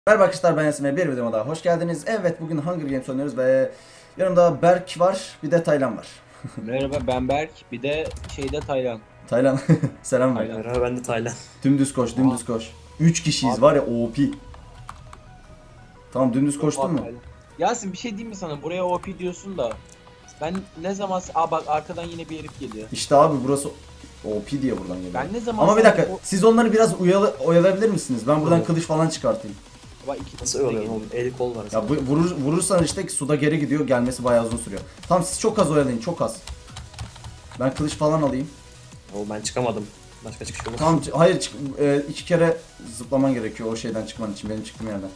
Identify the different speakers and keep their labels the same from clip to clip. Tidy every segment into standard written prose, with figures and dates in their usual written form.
Speaker 1: Merhaba arkadaşlar, ben Yasin ve bir videoma daha hoş geldiniz. Evet, bugün Hunger Games oynuyoruz ve yanımda Berk var, bir de Taylan var.
Speaker 2: Merhaba ben Berk. Bir de Taylan.
Speaker 1: Taylan selam ver.
Speaker 2: Taylan.
Speaker 3: Merhaba ben de Taylan.
Speaker 1: Dümdüz koş, dümdüz koş. 3 kişiyiz
Speaker 2: Abi.
Speaker 1: var ya, OP. Tamam, dümdüz koştun mu?
Speaker 2: Taylan. Yasin bir şey diyeyim mi sana? Buraya OP diyorsun da. Ben ne zaman... Aa bak arkadan yine bir herif geliyor.
Speaker 1: İşte abi burası OP diye buradan geliyor.
Speaker 2: Ben ne zaman...
Speaker 1: Ama bir dakika,
Speaker 2: O...
Speaker 1: siz onları biraz oyalayabilir misiniz? Ben buradan
Speaker 3: Tamam.
Speaker 1: kılıç falan çıkartayım.
Speaker 2: Bak iki
Speaker 3: Nasıl
Speaker 2: de
Speaker 3: oluyor
Speaker 2: geliyor.
Speaker 3: oğlum? El kol var.
Speaker 1: Ya vurursan işte suda geri gidiyor, gelmesi bayağı uzun sürüyor. Tamam, siz çok az oyalayın, çok az. Ben kılıç falan alayım.
Speaker 3: Oğlum ben çıkamadım. Başka çıkış yok.
Speaker 1: Tamam, hayır iki kere zıplaman gerekiyor o şeyden çıkman için, benim çıktığım yerden.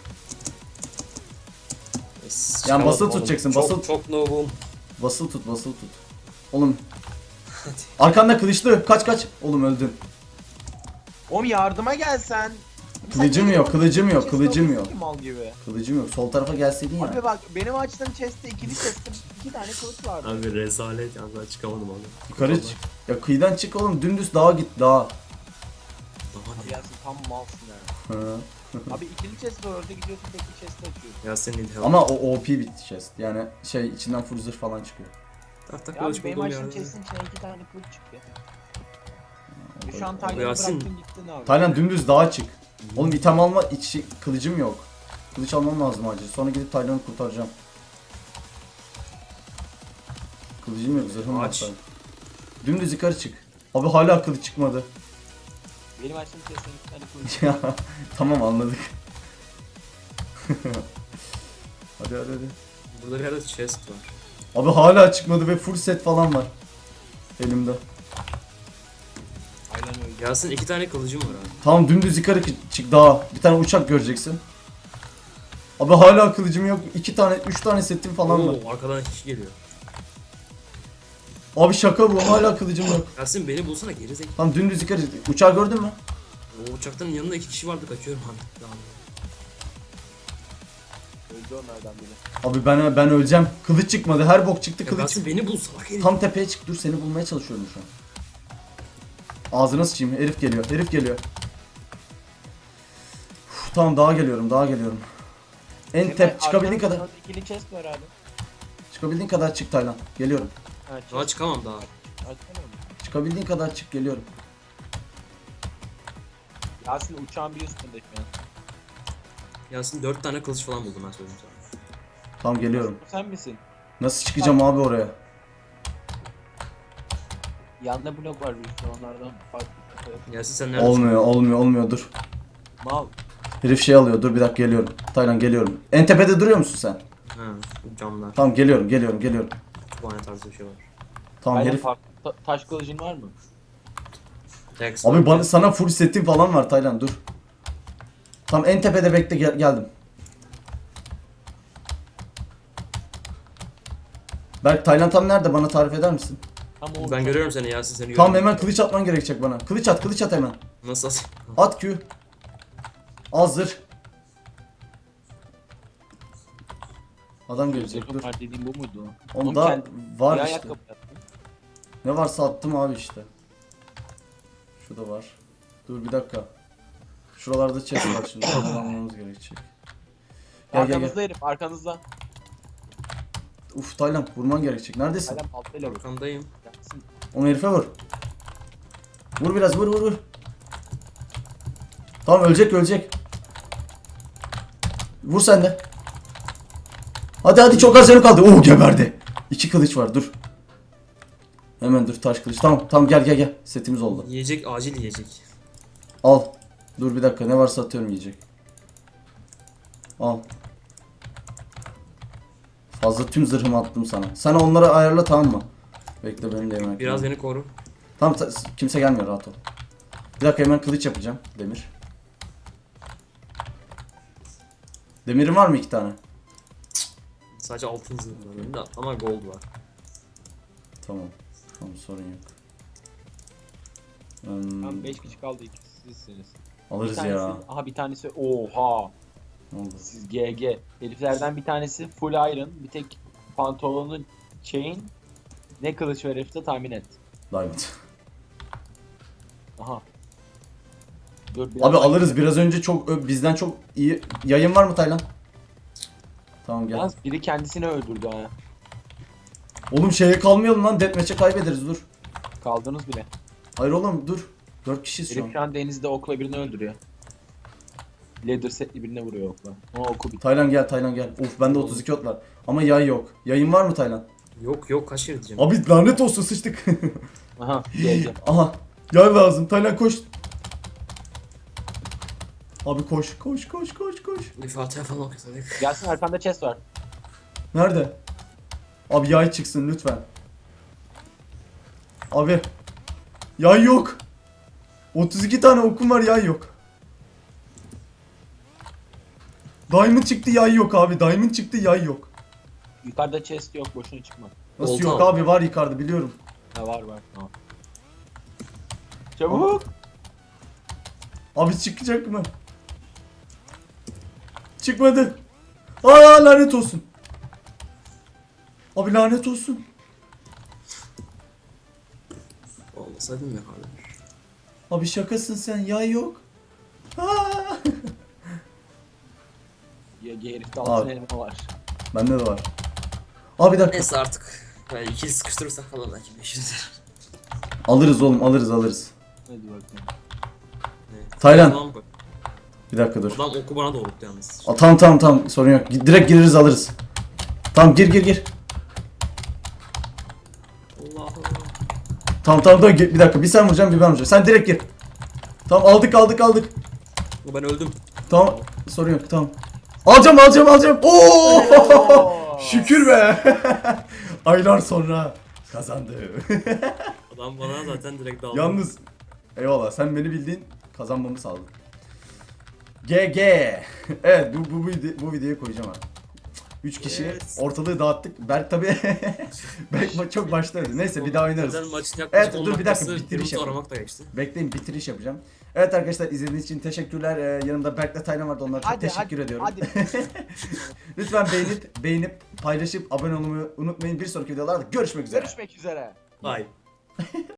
Speaker 3: Çıkamadım
Speaker 1: basılı
Speaker 3: oğlum.
Speaker 1: tutacaksın,
Speaker 3: Çok,
Speaker 1: basılı.
Speaker 3: Çok noob'um.
Speaker 1: Basılı tut, basılı tut. Oğlum. Arkanda kılıçlı, kaç. Oğlum öldün.
Speaker 2: Oğlum yardıma gelsen.
Speaker 1: Kılıcım yok, kılıcım yok, kılıcım yok.
Speaker 2: Mal gibi.
Speaker 1: Kılıcım yok. Sol tarafa gelseydin ya.
Speaker 2: Abi bak benim açtığım chest'te ikili chest'te 2 tane kılıç vardı.
Speaker 3: Abi rezalet ya ben çıkamadım abi.
Speaker 1: Yukarı çık. Ya kıyıdan çık oğlum, dümdüz dağa git, dağa.
Speaker 3: Daha
Speaker 2: Abi Yasin tam malsın ya.
Speaker 1: Hı.
Speaker 2: Abi ikili chest var orada gidiyorsun tek bir chest'te açıyorsun.
Speaker 3: ya senin help.
Speaker 1: Ama o OP bir chest. Yani içinden full zırh falan çıkıyor.
Speaker 3: Tak
Speaker 2: Ya
Speaker 3: kılıç
Speaker 2: abi benim
Speaker 3: buldum
Speaker 2: açtığım
Speaker 3: ya.
Speaker 2: chest'in içine 2 tane kılıç çıktı. Şu an
Speaker 1: Abi,
Speaker 2: Taylan'ı
Speaker 3: Yasin.
Speaker 2: bıraktın gittin abi.
Speaker 1: Taylan dümdüz dağa çık. Oğlum item alma, kılıcım yok. Kılıç almam lazım acil. Sonra gidip Taylan'ı kurtaracağım. Kılıcım yok, zırhım var.
Speaker 3: Aç.
Speaker 1: Taylan. Dümdüz yukarı çık. Abi hala kılıç çıkmadı.
Speaker 2: Benim açtığım chest'in 2 tane kılıç.
Speaker 1: Ya tamam, anladık. hadi.
Speaker 3: Burada bir yerde chest var.
Speaker 1: Abi hala çıkmadı ve full set falan var elimde.
Speaker 2: Aynen öyle.
Speaker 3: Yasin 2 tane kılıcım var abi.
Speaker 1: Tamam, dümdüz yukarı çık daha. Bir tane uçak göreceksin. Abi hala kılıcım yok. 3 tane setim falan var.
Speaker 3: Oo, arkadan kişi geliyor.
Speaker 1: Abi şaka bu, hala kılıcım yok.
Speaker 3: Yasin beni bulsana geri zekalı.
Speaker 1: Tamam, dümdüz yukarı. Uçağı gördün mü?
Speaker 3: O uçaktan yanında 2 kişi vardı kaçıyorum abi. Tamam.
Speaker 2: Öldü onlardan biri.
Speaker 1: Abi ben öleceğim. Kılıç çıkmadı. Her bok çıktı
Speaker 3: Ya
Speaker 1: kılıç.
Speaker 3: Yasin beni bul salak herif.
Speaker 1: Tam tepeye çık. Dur, seni bulmaya çalışıyorum şu an. Ağzına sıçayım. Herif geliyor. Uf, tamam, daha geliyorum. Çıkabildiğin kadar.
Speaker 2: Arkada ikili chest var abi.
Speaker 1: Çıkabildiğin kadar çık Taylan. Geliyorum.
Speaker 2: Ha,
Speaker 3: Daha çıkamam daha.
Speaker 2: Açsana onu.
Speaker 1: Çıkabildiğin kadar çık, geliyorum.
Speaker 2: Yasin uçağın bir üstünde şu an.
Speaker 3: Yasin 4 tane kılıç falan buldum ben söyleyeyim sana.
Speaker 1: Tamam, geliyorum.
Speaker 2: Bu sen misin?
Speaker 1: Nasıl çıkacağım abi oraya?
Speaker 2: Yanında blok var bir üstü onlardan farklı.
Speaker 3: Yasin sen neredesin?
Speaker 1: Olmuyor, dur.
Speaker 2: Mal.
Speaker 1: Herif şey alıyor, dur bir dakika, geliyorum. Taylan, geliyorum. En tepede duruyor musun sen?
Speaker 3: Ha, camlar.
Speaker 1: Tamam, geliyorum.
Speaker 3: Kütüphane tarzı bir şey var.
Speaker 1: Tamam
Speaker 2: Aynen
Speaker 1: herif.
Speaker 2: taş kılıcın var mı?
Speaker 3: Rex
Speaker 1: Abi
Speaker 3: var.
Speaker 1: sana full setim falan var Taylan, dur. Tamam, en tepede bekle, geldim. Berk, Taylan tam nerede, bana tarif eder misin?
Speaker 2: Tam o
Speaker 3: Ben
Speaker 2: uçak.
Speaker 3: görüyorum seni Yasin seni
Speaker 1: Tamam,
Speaker 3: görüyorum.
Speaker 1: hemen kılıç atman gerekecek bana. Kılıç at hemen.
Speaker 3: Nasıl?
Speaker 1: At Q. Hazır. Adam gelecek,
Speaker 2: Zırhım
Speaker 1: dur.
Speaker 2: var dediğim bu muydu?
Speaker 1: Onda var
Speaker 2: Bir
Speaker 1: işte.
Speaker 2: ayakkabı yaptım.
Speaker 1: Ne varsa attım abi işte. Şu da var. Dur bir dakika. Şuralarda chest var şimdi. Onları almamız gerekecek. Gel.
Speaker 2: Arkanızda herif arkanızda.
Speaker 1: Uf Taylan, vurman gerekecek. Neredesin?
Speaker 2: Hala baltayla vur.
Speaker 3: Arkandayım.
Speaker 2: Yasin.
Speaker 1: Onu herife vur. Vur biraz, vur. Tamam, ölecek. Vur sen de. Hadi, çok az canım kaldı. Oo, geberdi. 2 kılıç var, dur. Hemen dur, taş kılıç. Tamam, gel. Setimiz oldu.
Speaker 3: Yiyecek acil yiyecek.
Speaker 1: Al. Dur bir dakika, ne varsa atıyorum, yiyecek. Al. Fazla tüm zırhımı attım sana. Sen onları ayarla, tamam mı? Bekle, benim de yemek.
Speaker 3: Biraz beni koru.
Speaker 1: Tamam, kimse gelmiyor, rahat ol. Bir dakika, hemen kılıç yapacağım. Demir. Demirin var mı 2 tane?
Speaker 3: Sadece altın zırh var benim de ama gold var.
Speaker 1: Tamam, sorun yok.
Speaker 2: Tam 5 kişi kaldı ikisi sizsiniz.
Speaker 1: Alırız
Speaker 2: Bir
Speaker 1: ya.
Speaker 2: tanesi, aha bir tanesi oha.
Speaker 1: Ne oldu?
Speaker 2: Siz GG. Heriflerden bir tanesi full iron. Bir tek pantolonu chain. Ne kılıç var herifte tahmin et.
Speaker 1: Diamond.
Speaker 2: Aha. Dur,
Speaker 1: Abi
Speaker 2: birazdan-
Speaker 1: alırız, biraz önce bizden çok iyi. Yayın var mı Taylan? Tamam gel.
Speaker 2: Yalnız biri kendisini öldürdü ha.
Speaker 1: Oğlum şeye kalmayalım lan, deathmatch'e kaybederiz, dur.
Speaker 2: Kaldınız bile.
Speaker 1: Hayır oğlum dur. 4 kişiyiz şu
Speaker 2: Herif
Speaker 1: an.
Speaker 2: şu an denizde okla birini öldürüyor. Leather setli birine vuruyor okla. Ona oku bitti.
Speaker 1: Taylan gel, Taylan gel. Of bende 32 ot var. Ama yay yok. Yayın var mı Taylan?
Speaker 3: Yok kaç kere diyeceğim.
Speaker 1: Abi lanet olsun, sıçtık.
Speaker 2: Aha geldi.
Speaker 1: Aha. Yay lazım. Taylan koş. Abi koş.
Speaker 3: Bir Fatiha falan okusadık.
Speaker 2: Gelsin arkanda chest var.
Speaker 1: Nerede? Abi yay çıksın lütfen. Abi. Yay yok. 32 tane okum var, yay yok. Diamond çıktı, yay yok abi. Diamond çıktı, yay yok.
Speaker 2: Yukarıda chest yok, boşuna çıkma.
Speaker 1: Nasıl
Speaker 3: Oldu
Speaker 1: yok
Speaker 3: ama.
Speaker 1: abi, var yukarıda biliyorum.
Speaker 2: Ha var tamam. Çabuk.
Speaker 1: Abi çıkacak mı? Çıkmadı. Aa lanet olsun. Abi lanet olsun.
Speaker 3: Olmasaydım ya abi.
Speaker 1: Abi şakasın sen, yay yok. Aa!
Speaker 2: Ya herifte
Speaker 1: Abi.
Speaker 2: altın elma var.
Speaker 1: Bende de var. Abi bir dakika.
Speaker 3: Neyse artık. Yani ikili sıkıştırırsak falan belki 500 lira.
Speaker 1: Alırız oğlum, alırız.
Speaker 2: Hadi bakalım.
Speaker 3: Evet.
Speaker 1: Taylan.
Speaker 3: Tamam bak.
Speaker 1: Bir dakika dur.
Speaker 3: Adam oku bana doğrulttu yalnız.
Speaker 1: Tamam sorun yok. Direkt gireriz, alırız. Tamam gir.
Speaker 3: Allah Allah.
Speaker 1: Tamam bir dakika, bir sen vuracaksın bir ben vuracağım. Sen direkt gir. Tamam aldık.
Speaker 3: Ben öldüm.
Speaker 1: Tamam sorun yok, tamam. Alacağım. Oo! Şükür be. Aylar sonra kazandı.
Speaker 3: Adam bana zaten direkt daldı.
Speaker 1: Yalnız eyvallah, sen beni bildiğin kazanmamı sağladın. GG. Evet bu videoyu koyacağım abi. 3 kişi
Speaker 3: Evet.
Speaker 1: ortalığı dağıttık. Berk tabi Berk çok başladı. Neyse bir daha oynarız.
Speaker 3: Zaten maçın yaklaşık
Speaker 1: Evet,
Speaker 3: 10
Speaker 1: dur bir dakika,
Speaker 3: dakikası
Speaker 1: bitiriş
Speaker 3: Yunus
Speaker 1: yapalım.
Speaker 3: aramakla geçti.
Speaker 1: Bekleyin, bitiriş yapacağım. Evet arkadaşlar, izlediğiniz için teşekkürler. Yanımda Berk'le Taylan vardı, onlara çok teşekkür ediyorum.
Speaker 2: Hadi.
Speaker 1: Lütfen beğenip paylaşıp abone olmayı unutmayın. Bir sonraki videolarda görüşmek üzere.
Speaker 2: Görüşmek üzere.
Speaker 3: Bye.